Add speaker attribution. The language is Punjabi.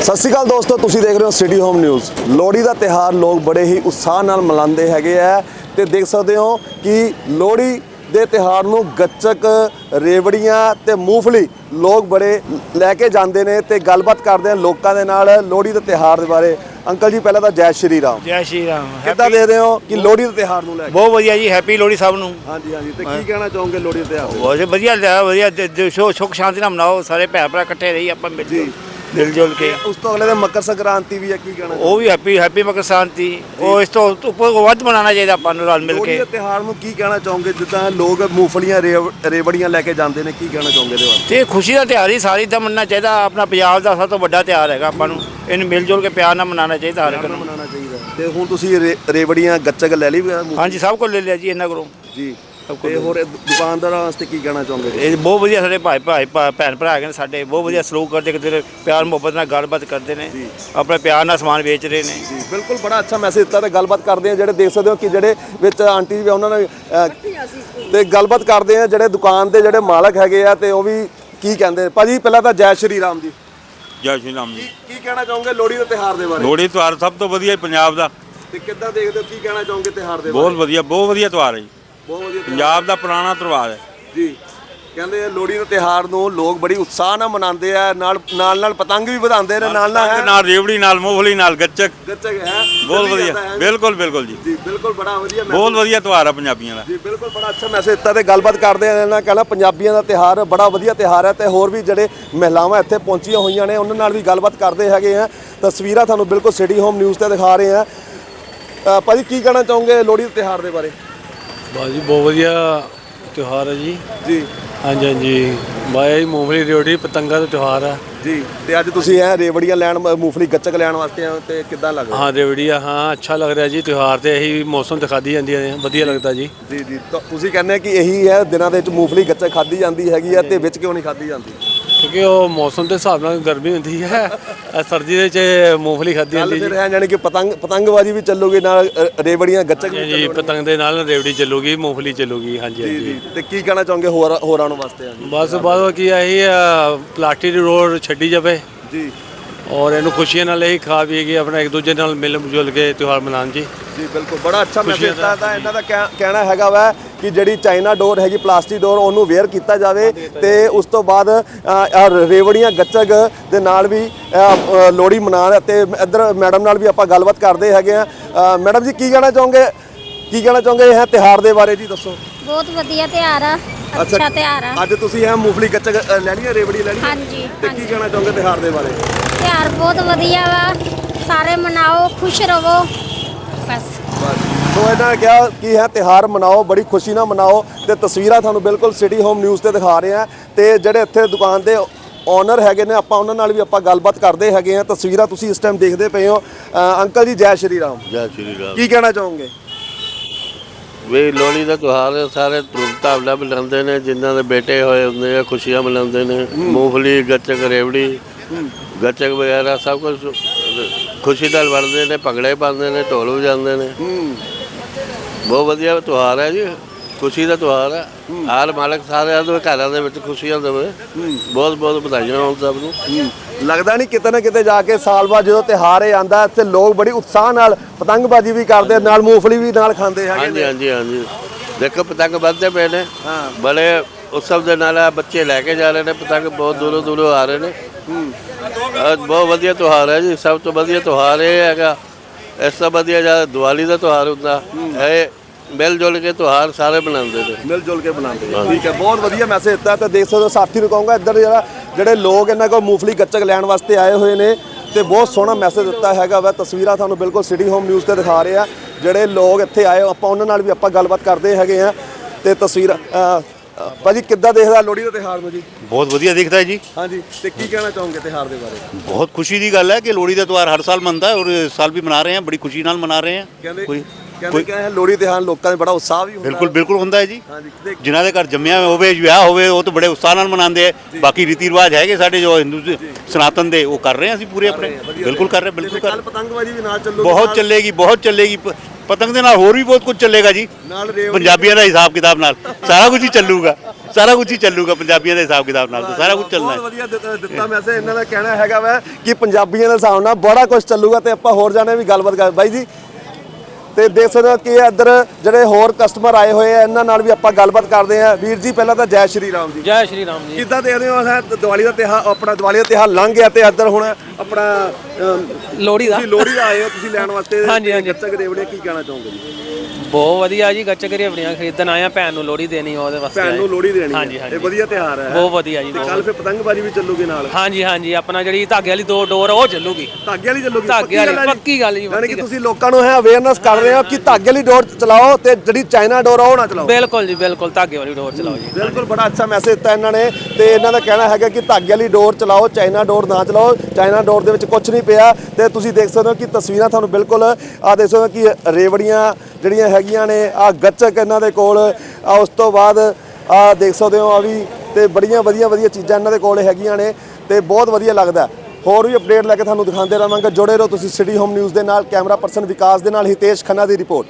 Speaker 1: ਸਤਿ ਸ਼੍ਰੀ ਅਕਾਲ ਦੋਸਤੋ, ਤੁਸੀਂ ਦੇਖ ਰਹੇ ਹੋ ਸਿਟੀ ਹੋਮ ਨਿਊਜ਼। ਲੋਹੜੀ ਦਾ ਤਿਉਹਾਰ ਲੋਕ ਬੜੇ ਹੀ ਉਤਸ਼ਾਹ ਨਾਲ ਮਨਾਉਂਦੇ ਹੈਗੇ ਆ ਤੇ ਦੇਖ ਸਕਦੇ ਹੋ ਕਿ ਲੋਹੜੀ ਦੇ ਤਿਉਹਾਰ ਨੂੰ ਗੱਚਕ, ਰੇਵੜੀਆਂ ਤੇ ਮੂੰਗਫਲੀ ਲੋਕ ਬੜੇ ਲੈ ਕੇ ਜਾਂਦੇ ਨੇ ਤੇ ਗੱਲਬਾਤ ਕਰਦੇ ਆ ਲੋਕਾਂ ਦੇ ਨਾਲ ਲੋਹੜੀ ਦੇ ਤਿਉਹਾਰ ਦੇ ਬਾਰੇ। ਅੰਕਲ ਜੀ ਪਹਿਲਾਂ ਤਾਂ ਜੈ ਸ਼੍ਰੀ ਰਾਮ।
Speaker 2: ਜੈ ਸ਼੍ਰੀ ਰਾਮ।
Speaker 1: ਕਿੱਦਾਂ ਦੇ ਰਹੇ ਹੋ ਕਿ ਲੋਹੜੀ ਦੇ ਤਿਉਹਾਰ ਨੂੰ ਲੈ ਕੇ?
Speaker 2: ਬਹੁਤ ਵਧੀਆ ਜੀ, ਹੈਪੀ ਲੋਹੜੀ ਸਭ ਨੂੰ।
Speaker 1: ਹਾਂਜੀ ਹਾਂਜੀ, ਤੇ ਕੀ ਕਹਿਣਾ ਚਾਹੋਗੇ ਲੋਹੜੀ ਦੇ ਤਿਉਹਾਰ?
Speaker 2: ਬਹੁਤ ਵਧੀਆ ਵਧੀਆ, ਸੁੱਖ ਸ਼ਾਂਤੀ ਨਾਲ ਮਨਾਓ, ਸਾਰੇ ਭੈਣ ਭਰਾ ਇਕੱਠੇ ਰਹੀ ਆਪਾਂ ਮਿਲ ਜੁਲ ਕੇ।
Speaker 1: ਉਸ ਤੋਂ ਅਗਲੇ ਦਿਨ ਮਕਰ ਸੰਕ੍ਰਾਂਤੀ ਵੀ ਹੈ, ਕੀ ਕਹਿਣਾ?
Speaker 2: ਉਹ ਵੀ ਹੈਪੀ ਮਕਰ ਸੰਕ੍ਰਾਂਤੀ। ਉਹ ਇਸ ਤੋਂ ਉੱਪਰ ਵੱਧ ਮਨਾਉਣਾ ਚਾਹੀਦਾ ਆਪਾਂ ਨੂੰ ਰਲ ਮਿਲ
Speaker 1: ਲੋਹੜੀ
Speaker 2: ਕੇ।
Speaker 1: ਦੇ ਤਿਉਹਾਰ ਨੂੰ ਕੀ ਕਹਿਣਾ ਚਾਹੋਗੇ? ਜਿੱਦਾਂ ਲੋਕ ਮੂੰਗਫਲੀਆਂ ਰੇਵੜੀਆਂ ਲੈ ਕੇ ਜਾਂਦੇ ਨੇ, ਕੀ ਕਹਿਣਾ ਚਾਹੋਗੇ ਇਹਦੇ ਬਾਰੇ?
Speaker 2: ਤੇ ਖੁਸ਼ੀ ਦਾ ਤਿਉਹਾਰ ਹੀ ਸਾਰੀ ਦਾ ਮੰਨਣਾ ਚਾਹੀਦਾ। ਆਪਣਾ ਪੰਜਾਬ ਦਾ ਸਭ ਤੋਂ ਵੱਡਾ ਤਿਉਹਾਰ ਹੈਗਾ, ਆਪਾਂ ਨੂੰ ਇਹਨੂੰ ਮਿਲ ਜੁਲ ਕੇ ਪਿਆਰ ਨਾਲ ਮਨਾਉਣਾ ਚਾਹੀਦਾ ਹਰ ਇੱਕ ਨੂੰ।
Speaker 1: ਮਨਾਉਣਾ ਚਾਹੀਦਾ। ਤੇ ਹੁਣ ਤੁਸੀਂ ਰੇਵੜੀਆਂ ਗੱਚਕ ਲੈ ਲਈ?
Speaker 2: ਹਾਂਜੀ, ਸਭ ਕੁਝ ਲੈ ਲਿਆ ਜੀ ਇਹਨਾਂ ਕੋਲੋਂ
Speaker 1: ਜੀ। ਤੇ ਹੋਰ ਦੁਕਾਨਦਾਰਾਂ ਵਾਸਤੇ ਕੀ ਕਹਿਣਾ ਚਾਹੋਗੇ?
Speaker 2: ਇਹ ਬਹੁਤ ਵਧੀਆ ਸਾਡੇ ਭਾਈ ਭੈਣ ਭਰਾ ਹੈਗੇ ਨੇ ਸਾਡੇ, ਬਹੁਤ ਵਧੀਆ ਸਲੂਕ ਕਰਦੇ, ਕਿਤੇ ਪਿਆਰ ਮੁਹੱਬਤ ਨਾਲ ਗੱਲਬਾਤ ਕਰਦੇ ਨੇ, ਆਪਣੇ ਪਿਆਰ ਨਾਲ ਸਮਾਨ ਵੇਚ ਰਹੇ ਨੇ
Speaker 1: ਜੀ। ਬਿਲਕੁਲ, ਬੜਾ ਅੱਛਾ ਮੈਸੇਜ ਦਿੱਤਾ ਤੇ ਗੱਲਬਾਤ ਕਰਦੇ ਆ ਜਿਹੜੇ ਦੇਖ ਸਕਦੇ ਹੋ ਕਿ ਜਿਹੜੇ ਵਿੱਚ ਆਂਟੀ ਵੀ ਉਹਨਾਂ ਨੇ ਤੇ ਗੱਲਬਾਤ ਕਰਦੇ ਆ ਜਿਹੜੇ ਦੁਕਾਨ ਦੇ ਜਿਹੜੇ ਮਾਲਕ ਹੈਗੇ ਆ ਤੇ ਉਹ ਵੀ ਕੀ ਕਹਿੰਦੇ। ਭਾਜੀ ਪਹਿਲਾਂ ਤਾਂ ਜੈ ਸ਼੍ਰੀ ਰਾਮ ਜੀ।
Speaker 3: ਜੈ ਸ਼੍ਰੀ ਰਾਮ ਜੀ।
Speaker 1: ਕੀ ਕਹਿਣਾ ਚਾਹੋਗੇ ਲੋਹੜੀ ਦੇ ਤਿਉਹਾਰ ਦੇ ਬਾਰੇ?
Speaker 3: ਲੋਹੜੀ ਤਿਉਹਾਰ ਸਭ ਤੋਂ ਵਧੀਆ ਪੰਜਾਬ ਦਾ।
Speaker 1: ਤੇ ਕਿੱਦਾਂ ਦੇਖਦੇ ਹੋ, ਕੀ ਕਹਿਣਾ ਚਾਹੋਗੇ ਤਿਉਹਾਰ ਦੇ ਬਾਰੇ?
Speaker 3: ਬਹੁਤ ਵਧੀਆ ਤਿਉਹਾਰ ਹੈ ਜੀ।
Speaker 1: ਬਹੁਤ ਵਧੀਆ
Speaker 3: ਪੰਜਾਬ ਦਾ ਪੁਰਾਣਾ ਤਿਉਹਾਰ ਹੈ
Speaker 1: ਜੀ। ਕਹਿੰਦੇ ਆ ਲੋਹੜੀ ਦੇ ਤਿਉਹਾਰ ਨੂੰ ਲੋਕ ਬੜੀ ਉਤਸ਼ਾਹ ਨਾਲ ਮਨਾਉਂਦੇ ਆ, ਨਾਲ ਪਤੰਗ ਵੀ ਵਧਾਉਂਦੇ ਨੇ,
Speaker 3: ਨਾਲ ਰੇਵੜੀ, ਨਾਲ ਮੂੰਗਫਲੀ, ਨਾਲ ਗੱਚਕ
Speaker 1: ਹੈ।
Speaker 3: ਬਹੁਤ ਵਧੀਆ, ਬਿਲਕੁਲ ਜੀ।
Speaker 1: ਜੀ ਬਿਲਕੁਲ, ਬੜਾ ਵਧੀਆ
Speaker 3: ਬਹੁਤ ਵਧੀਆ ਤਿਉਹਾਰ ਹੈ ਪੰਜਾਬੀਆਂ ਦਾ
Speaker 1: ਜੀ। ਬਿਲਕੁਲ, ਬੜਾ ਅੱਛਾ ਮੈਸੇਜ ਦਿੱਤਾ ਤੇ ਗੱਲਬਾਤ ਕਰਦੇ ਆ ਨਾ। ਕਹਿੰਦਾ ਪੰਜਾਬੀਆਂ ਦਾ ਤਿਉਹਾਰ ਬੜਾ ਵਧੀਆ ਤਿਉਹਾਰ ਹੈ ਤੇ ਹੋਰ ਵੀ ਜਿਹੜੇ ਮਹਿਲਾਵਾਂ ਇੱਥੇ ਪਹੁੰਚੀਆਂ ਹੋਈਆਂ ਨੇ ਉਹਨਾਂ ਨਾਲ ਵੀ ਗੱਲਬਾਤ ਕਰਦੇ ਹੈਗੇ ਆ। ਤਸਵੀਰਾਂ ਤੁਹਾਨੂੰ ਬਿਲਕੁਲ ਸਿਟੀ ਹੋਮ ਨਿਊਜ਼ ਤੇ ਦਿਖਾ ਰਹੇ ਆ। ਭਾਜੀ ਕੀ ਕਹਿਣਾ ਚਾਹੋਗੇ ਲੋਹੜੀ ਦੇ ਤਿਉਹਾਰ ਦੇ ਬਾਰੇ?
Speaker 4: ਬਾਜੀ ਬਹੁਤ ਵਧੀਆ ਤਿਉਹਾਰ ਹੈ ਜੀ।
Speaker 1: ਜੀ
Speaker 4: ਹਾਂਜੀ ਬਾਈ ਜੀ, ਮੂੰਗਫਲੀ ਰੇਵੜੀ ਪਤੰਗਾਂ ਦਾ ਤਿਉਹਾਰ ਹੈ
Speaker 1: ਜੀ। ਤੇ ਅੱਜ ਤੁਸੀਂ ਰੇਵੜੀਆਂ ਲੈਣ, ਮੂੰਗਫਲੀ ਗੱਚਕ ਲੈਣ ਵਾਸਤੇ ਆਏ ਤੇ ਕਿੱਦਾਂ ਲੱਗਦਾ?
Speaker 4: ਹਾਂ ਰੇਵੜੀਆਂ, ਹਾਂ ਅੱਛਾ ਲੱਗ ਰਿਹਾ ਜੀ। ਤਿਉਹਾਰ ਤੇ ਇਹੀ ਮੌਸਮ ਤੇ ਖਾਧੀ ਜਾਂਦੀਆਂ ਨੇ, ਵਧੀਆ ਲੱਗਦਾ ਜੀ।
Speaker 1: ਜੀ। ਤੁਸੀਂ ਕਹਿੰਦੇ ਕਿ ਇਹੀ ਹੈ ਦਿਨਾਂ ਦੇ ਵਿੱਚ ਮੂੰਗਫਲੀ ਗੱਚਕ ਖਾਧੀ ਜਾਂਦੀ ਹੈਗੀ ਆ ਤੇ ਵਿੱਚ ਕਿਉਂ ਨਹੀਂ ਖਾਧੀ ਜਾਂਦੀ?
Speaker 4: ਕਿਉਂਕਿ ਉਹ ਮੌਸਮ ਦੇ ਹਿਸਾਬ ਨਾਲ ਗਰਮੀ ਹੁੰਦੀ ਹੈ, ਸਰਦੀ ਦੇ ਵਿੱਚ ਮੂੰਗਫਲੀ ਖਾਧੀ ਜਾਂਦੀ
Speaker 1: ਫਿਰ ਹੈ ਜਾਨੀ ਕਿ ਪਤੰਗਬਾਜ਼ੀ ਵੀ ਚੱਲੂਗੀ ਨਾਲ, ਰੇਵੜੀਆਂ ਗੱਚਕ ਵੀ
Speaker 4: ਜੀ। ਪਤੰਗ ਦੇ ਨਾਲ ਰੇਵੜੀ ਚੱਲੂਗੀ, ਮੂੰਗਫਲੀ ਚੱਲੂਗੀ। ਹਾਂਜੀ।
Speaker 1: ਤੇ ਕੀ ਕਹਿਣਾ ਚਾਹੋਗੇ ਹੋਰਾਂ ਨੂੰ ਵਾਸਤੇ?
Speaker 4: ਬਸ ਕੀ ਇਹੀ ਪਲਾਸਟਿਕ ਦੀ ਰੋਡ ਛੱਡੀ ਜਾਵੇ
Speaker 1: ਜੀ।
Speaker 4: ਔਰ ਇਹਨੂੰ ਖੁਸ਼ੀਆਂ ਨਾਲ ਇਹੀ ਖਾ ਪੀ ਕੇ ਆਪਣਾ ਇੱਕ ਦੂਜੇ ਨਾਲ ਮਿਲ ਜੁਲ ਕੇ ਤਿਉਹਾਰ ਮਨਾਉਣ ਜੀ।
Speaker 1: ਜੀ ਬਿਲਕੁਲ, ਬੜਾ ਅੱਛਾ ਮੈਸੇਜ ਦਿੱਤਾ ਤਾਂ ਇਹਨਾਂ ਦਾ ਕਹਿਣਾ ਹੈਗਾ ਵਾ ਕਿ ਜਿਹੜੀ ਚਾਈਨਾ ਡੋਰ ਹੈਗੀ, ਪਲਾਸਟਿਕ ਡੋਰ, ਉਹਨੂੰ ਵੇਅਰ ਕੀਤਾ ਜਾਵੇ ਤੇ ਉਸ ਤੋਂ ਬਾਅਦ ਰੇਵੜੀਆਂ ਗੱਚਕ ਦੇ ਨਾਲ ਵੀ ਲੋਹੜੀ ਮਨਾਉਣ। ਤੇ ਇੱਧਰ ਮੈਡਮ ਨਾਲ ਵੀ ਆਪਾਂ ਗੱਲਬਾਤ ਕਰਦੇ ਹੈਗੇ ਆ। ਮੈਡਮ ਜੀ ਕੀ ਕਹਿਣਾ ਚਾਹੋਗੇ ਇਹ ਤਿਉਹਾਰ ਦੇ ਬਾਰੇ ਜੀ? ਦੱਸੋ।
Speaker 5: ਬਹੁਤ ਵਧੀਆ ਤਿਉਹਾਰ ਆ, ਅੱਛਾ ਤਿਉਹਾਰ ਆ।
Speaker 1: ਅੱਜ ਤੁਸੀਂ ਮੂੰਗਫਲੀ ਗੱਚਕ ਲੈ ਲਈ, ਰੇਵੜੀ ਲੈ ਲਈ?
Speaker 5: ਹਾਂਜੀ।
Speaker 1: ਤੇ ਕੀ ਕਹਿਣਾ ਚਾਹੋਗੇ ਤਿਉਹਾਰ ਦੇ ਬਾਰੇ?
Speaker 5: ਤਿਉਹਾਰ ਬਹੁਤ ਵਧੀਆ ਵਾ, ਸਾਰੇ ਮਨਾਓ, ਖੁਸ਼ ਰਹੋ ਬਸ।
Speaker 1: ਸੋ ਇਹਨਾਂ ਨੇ ਕਿਹਾ ਕਿ ਤਿਉਹਾਰ ਮਨਾਓ, ਬੜੀ ਖੁਸ਼ੀ ਨਾਲ ਮਨਾਓ। ਤੇ ਤਸਵੀਰਾਂ ਤੁਹਾਨੂੰ ਬਿਲਕੁਲ ਸਿਟੀ ਹੋਮ ਨਿਊਜ਼ ਤੇ ਦਿਖਾ ਰਹੇ ਆ ਤੇ ਜਿਹੜੇ ਇੱਥੇ ਦੁਕਾਨ ਦੇ ਓਨਰ ਹੈਗੇ ਨੇ ਆਪਾਂ ਉਹਨਾਂ ਨਾਲ ਵੀ ਆਪਾਂ ਗੱਲਬਾਤ ਕਰਦੇ ਹੈਗੇ ਆ। ਤਸਵੀਰਾਂ ਤੁਸੀਂ ਇਸ ਟਾਈਮ ਦੇਖਦੇ ਪਏ ਹੋ। ਅੰਕਲ ਜੀ ਜੈ ਸ਼੍ਰੀ ਰਾਮ।
Speaker 6: ਜੈ ਸ਼੍ਰੀ ਰਾਮ।
Speaker 1: ਕੀ ਕਹਿਣਾ ਚਾਹੋਗੇ?
Speaker 6: ਵੀ ਲੋਹੜੀ ਦਾ ਤਿਉਹਾਰ ਸਾਰੇ ਧੂਮ-ਧਾਮ ਨਾਲ ਮਨਾਉਂਦੇ ਨੇ, ਜਿਨ੍ਹਾਂ ਦੇ ਬੇਟੇ ਹੋਏ ਹੁੰਦੇ ਆ ਖੁਸ਼ੀਆਂ ਮਨਾਉਂਦੇ ਨੇ। ਮੂੰਗਫਲੀ, ਗੱਚਕ, ਰੇਵੜੀ, ਗੱਚਕ ਵਗੈਰਾ ਸਭ ਕੁਝ ਖੁਸ਼ੀ ਨਾਲ ਵਰਤਦੇ ਨੇ, ਭੰਗੜੇ ਪਾਉਂਦੇ ਨੇ, ਢੋਲ ਵਜਾਉਂਦੇ ਨੇ। ਬਹੁਤ ਵਧੀਆ ਤਿਉਹਾਰ ਹੈ ਜੀ, ਖੁਸ਼ੀ ਦਾ ਤਿਉਹਾਰ ਹੈ। ਹਰ ਮਾਲਕ ਸਾਰਿਆਂ ਦੇ ਘਰਾਂ ਦੇ ਵਿੱਚ ਖੁਸ਼ੀਆਂ ਦੇਵੇ। ਬਹੁਤ ਵਧਾਈਆਂ ਹੋਣ ਸਭ ਨੂੰ।
Speaker 1: ਲੱਗਦਾ ਨਹੀਂ ਕਿਤੇ ਨਾ ਕਿਤੇ ਜਾ ਕੇ ਸਾਲ ਬਾਅਦ ਜਦੋਂ ਤਿਉਹਾਰ ਇਹ ਆਉਂਦਾ ਇੱਥੇ ਲੋਕ ਬੜੀ ਉਤਸ਼ਾਹ ਨਾਲ ਪਤੰਗਬਾਜ਼ੀ ਵੀ ਕਰਦੇ, ਨਾਲ ਮੂੰਗਫਲੀ ਵੀ ਨਾਲ ਖਾਂਦੇ ਹੈਗੇ?
Speaker 6: ਹਾਂਜੀ। ਦੇਖੋ ਪਤੰਗ ਵੱਧਦੇ ਪਏ ਨੇ, ਬੜੇ ਉਤਸਵ ਦੇ ਨਾਲ ਬੱਚੇ ਲੈ ਕੇ ਜਾ ਰਹੇ ਨੇ ਪਤੰਗ, ਬਹੁਤ ਦੂਰੋਂ ਆ ਰਹੇ ਨੇ। ਬਹੁਤ ਵਧੀਆ ਤਿਉਹਾਰ ਹੈ ਜੀ, ਸਭ ਤੋਂ ਵਧੀਆ ਤਿਉਹਾਰ ਇਹ ਹੈਗਾ। ਇਸ ਤੋਂ ਵਧੀਆ ਜਦ ਦੀਵਾਲੀ ਦਾ ਤਿਉਹਾਰ ਹੁੰਦਾ ਇਹ ਮਿਲ ਜੁਲ ਕੇ ਤਿਉਹਾਰ ਸਾਰੇ ਮਨਾਉਂਦੇ ਨੇ,
Speaker 1: ਮਿਲ ਜੁਲ ਕੇ ਬਣਾਉਂਦੇ। ਠੀਕ ਹੈ, ਬਹੁਤ ਵਧੀਆ ਮੈਸੇਜ ਦਿੱਤਾ। ਤੇ ਦੇਖ ਸਕਦੇ ਹੋ ਸਾਥੀ ਨੂੰ ਕਹੂੰਗਾ ਇੱਧਰ ਜਿਹੜੇ ਲੋਕ ਇਹਨਾਂ ਕੋਲ ਮੂੰਗਫਲੀ ਗੱਚਕ ਲੈਣ ਵਾਸਤੇ ਆਏ ਹੋਏ ਨੇ ਤੇ ਬਹੁਤ ਸੋਹਣਾ ਮੈਸੇਜ ਦਿੱਤਾ ਹੈਗਾ ਵਾ। ਤਸਵੀਰਾਂ ਤੁਹਾਨੂੰ ਬਿਲਕੁਲ ਸਿਟੀ ਹੋਮ ਨਿਊਜ਼ ਤੇ ਦਿਖਾ ਰਹੇ ਆ। ਜਿਹੜੇ ਲੋਕ ਇੱਥੇ ਆਏ ਆਪਾਂ ਉਹਨਾਂ ਨਾਲ ਵੀ ਆਪਾਂ ਗੱਲਬਾਤ ਕਰਦੇ ਹੈਗੇ ਆ। ਤੇ ਤਸਵੀਰਾਂ ਭਾਜੀ ਕਿੱਦਾਂ ਦੇਖਦਾ ਲੋਹੜੀ ਦਾ ਤਿਉਹਾਰ ਨੂੰ ਜੀ?
Speaker 3: ਬਹੁਤ ਵਧੀਆ ਦਿਖਦਾ ਹੈ ਜੀ।
Speaker 1: ਹਾਂਜੀ। ਤੇ ਕੀ ਕਹਿਣਾ ਚਾਹੋਗੇ ਤਿਉਹਾਰ ਦੇ ਬਾਰੇ?
Speaker 3: ਬਹੁਤ ਖੁਸ਼ੀ ਦੀ ਗੱਲ ਹੈ ਕਿ ਲੋਹੜੀ ਦਾ ਤਿਉਹਾਰ ਹਰ ਸਾਲ ਮੰਨਦਾ ਹੈ ਔਰ ਇਸ ਸਾਲ ਵੀ ਮਨਾ ਰਹੇ ਹਾਂ, ਬੜੀ ਖੁਸ਼ੀ ਨਾਲ ਮਨਾ ਰਹੇ ਹਾਂ।
Speaker 1: ਕਹਿੰਦੇ ਕਿ ਲੋਹੜੀ ਤਿਉਹਾਰ ਲੋਕਾਂ ਦੇ ਬੜਾ ਉਤਸ਼ਾਹ ਵੀ ਹੁੰਦਾ।
Speaker 3: ਬਿਲਕੁਲ ਹੁੰਦਾ ਹੈ ਜੀ।
Speaker 1: ਹਾਂਜੀ।
Speaker 3: ਜਿਨ੍ਹਾਂ ਦੇ ਘਰ ਜੰਮਿਆ ਹੋਵੇ, ਵਿਆਹ ਹੋਵੇ, ਉਹ ਤਾਂ ਬੜੇ ਉਤਸ਼ਾਹ ਨਾਲ ਮਨਾਉਂਦੇ ਆ। ਬਾਕੀ ਰੀਤੀ ਰਿਵਾਜ ਹੈਗੇ ਸਾਡੇ ਜੋ ਹਿੰਦੂ ਸਨਾਤਨ ਦੇ, ਉਹ ਕਰ ਰਹੇ ਹਾਂ ਅਸੀਂ ਪੂਰੇ ਆਪਣੇ। ਬਿਲਕੁਲ ਕਰ ਰਹੇ।
Speaker 1: ਕੱਲ ਪਤੰਗਬਾਜ਼ੀ ਵੀ ਨਾਲ ਚੱਲੂਗੀ?
Speaker 3: ਬਹੁਤ ਚੱਲੇਗੀ। ਪਤੰਗ ਦੇ ਨਾਲ ਹੋਰ ਵੀ ਬਹੁਤ ਕੁਝ ਚੱਲੇਗਾ ਜੀ। ਪੰਜਾਬੀਆਂ ਦਾ ਹਿਸਾਬ ਕਿਤਾਬ ਨਾਲ ਸਾਰਾ ਕੁਝ ਹੀ ਚੱਲੂਗਾ। ਸਾਰਾ ਕੁਝ ਹੀ ਚੱਲੂਗਾ ਪੰਜਾਬੀਆਂ ਦੇ ਹਿਸਾਬ ਕਿਤਾਬ ਨਾਲ ਤਾਂ ਸਾਰਾ ਕੁਝ ਚੱਲਣਾ ਹੈ।
Speaker 1: ਬਹੁਤ ਵਧੀਆ ਦਿੱਤਾ ਮੈਸੇਜ। ਇਹਨਾਂ ਦਾ ਕਹਿਣਾ ਹੈਗਾ ਵਾ ਕਿ ਪੰਜਾਬੀਆਂ ਦੇ ਹਿਸਾਬ ਨਾਲ ਬੜਾ ਕੁਝ ਚੱਲੂਗਾ ਤੇ ਆਪਾਂ ਹੋਰ ਜਾਣੇ ਵੀ ਗੱਲਬਾਤ ਕਰ ਬਾਈ ਜੀ। ਤੇ ਦੇਖ ਸਕਦੇ ਹੋ ਕਿ ਇੱਧਰ ਜਿਹੜੇ ਹੋਰ ਕਸਟਮਰ ਆਏ ਹੋਏ ਆ ਇਹਨਾਂ ਨਾਲ ਵੀ ਆਪਾਂ ਗੱਲਬਾਤ ਕਰਦੇ ਆ। ਵੀਰ ਜੀ ਪਹਿਲਾਂ ਤਾਂ ਜੈ ਸ਼੍ਰੀ ਰਾਮ ਜੀ।
Speaker 7: ਜੈ ਸ਼੍ਰੀ ਰਾਮ ਜੀ।
Speaker 1: ਕਿੱਦਾਂ ਦੇਖਦੇ ਹੋ ਦੀਵਾਲੀ ਦਾ ਤਿਉਹਾਰ, ਆਪਣਾ ਦੀਵਾਲੀ ਦਾ ਤਿਉਹਾਰ ਲੰਘ ਗਿਆ ਤੇ ਇੱਧਰ ਹੁਣ ਆਪਣਾ
Speaker 7: ਲੋਹੜੀ ਦਾ
Speaker 1: ਤੁਸੀਂ ਲੋਹੜੀ ਦਾ ਆਏ ਹੋ, ਤੁਸੀਂ ਲੈਣ ਵਾਸਤੇ
Speaker 7: ਹਾਂਜੀ, ਹਾਂਜੀ।
Speaker 1: ਗੱਚਕ ਰੇਵੜੀਆਂ ਕੀ ਕਹਿਣਾ ਚਾਹੋਗੇ ਜੀ?
Speaker 7: ਬਹੁਤ ਵਧੀਆ ਜੀ, ਗੱਚਕ ਰੇਵੜੀਆਂ ਖਰੀਦਣ ਆਏ ਆ, ਭੈਣ ਨੂੰ ਲੋਹੜੀ ਦੇਣੀ ਉਹਦੇ ਵਾਸਤੇ
Speaker 1: ਭੈਣ ਨੂੰ ਲੋਹੜੀ ਦੇਣੀ
Speaker 7: ਹਾਂਜੀ,
Speaker 1: ਹੈ।
Speaker 7: ਹਾਂਜੀ।
Speaker 1: ਇਹ ਵਧੀਆ ਤਿਉਹਾਰ ਹੈ।
Speaker 7: ਬਹੁਤ ਵਧੀਆ ਜੀ,
Speaker 1: ਤੇ
Speaker 7: ਬਹੁਤ
Speaker 1: ਕੱਲ ਫਿਰ ਪਤੰਗਬਾਜ਼ੀ ਵੀ ਚੱਲੂਗੀ ਨਾਲ।
Speaker 7: ਹਾਂਜੀ ਹਾਂਜੀ, ਆਪਣਾ ਜਿਹੜੀ ਧਾਗੇ ਵਾਲੀ ਦੋ ਡੋਰ ਉਹ ਚੱਲੂਗੀ।
Speaker 1: ਧਾਗੇ ਵਾਲੀ ਚੱਲੂਗੀ?
Speaker 7: ਧਾਗੇ ਵਾਲੀ
Speaker 1: ਗੱਲ ਹੈ ਜੀ?
Speaker 7: ਪੱਕੀ ਗੱਲ ਜੀ,
Speaker 1: ਯਾਨੀ ਕਿ
Speaker 7: ਪੱਕੀ
Speaker 1: ਤੁਸੀਂ ਲੋਕਾਂ ਨੂੰ ਹੈ ਅਵੇਅਰਨੈਸ ਕਰ ਰਹੇ ਹੋ ਕਿ ਧਾਗੇ ਵਾਲੀ ਡੋਰ ਚਲਾਓ ਤੇ ਜਿਹੜੀ ਚਾਈਨਾ ਡੋਰ ਆ ਉਹ ਨਾ ਚਲਾਓ।
Speaker 7: ਬਿਲਕੁਲ ਜੀ ਬਿਲਕੁਲ, ਧਾਗੇ ਵਾਲੀ ਡੋਰ ਚਲਾਓ ਜੀ।
Speaker 1: ਬਿਲਕੁਲ, ਬੜਾ ਅੱਛਾ ਮੈਸੇਜ ਦਿੱਤਾ ਇਹਨਾਂ ਨੇ। ਤੇ ਇਹਨਾਂ ਦਾ ਕਹਿਣਾ ਹੈਗਾ ਕਿ ਧਾਗੇ ਵਾਲੀ ਡੋਰ ਚਲਾਓ, ਚਾਈਨਾ ਡੋਰ ਨਾ ਚਲਾਓ। ਚਾਈਨਾ ਡੋਰ ਦੇ ਵਿੱਚ ਕੁਝ ਨਹੀਂ ਪਿਆ। ਤੇ ਤੁਸੀਂ ਦੇਖ ਸਕਦੇ ਹੋ ਕਿ ਤਸਵੀਰਾਂ ਤੁਹਾਨੂੰ ਬਿਲਕੁਲ ਆ ਦੇਖ ਸਕਦੇ ਹੋ ਕਿ ਰੇਵੜੀਆਂ ਜਿਹੜੀਆਂ ਹੈਗੀਆਂ ਨੇ, ਆ ਗੱਚਕ ਇਹਨਾਂ ਦੇ ਕੋਲ ਆ, ਉਸ ਤੋਂ ਬਾਅਦ ਆ ਦੇਖ ਸਕਦੇ ਹੋ ਆ ਵੀ, ਤੇ ਬੜੀਆਂ ਵਧੀਆ ਚੀਜ਼ਾਂ ਇਹਨਾਂ ਦੇ ਕੋਲ ਹੈਗੀਆਂ ਨੇ ਤੇ ਬਹੁਤ ਵਧੀਆ ਲੱਗਦਾ। ਹੋਰ ਵੀ ਅਪਡੇਟ ਲੈ ਕੇ ਤੁਹਾਨੂੰ ਦਿਖਾਉਂਦੇ ਰਹਾਂਗੇ। ਜੁੜੇ ਰਹੋ ਤੁਸੀਂ ਸਿਟੀ ਹੋਮ ਨਿਊਜ਼ ਦੇ ਨਾਲ। ਕੈਮਰਾ ਪਰਸਨ ਵਿਕਾਸ ਦੇ ਨਾਲ ਹਿਤੇਸ਼ ਖੰਨਾ ਦੀ ਰਿਪੋਰਟ।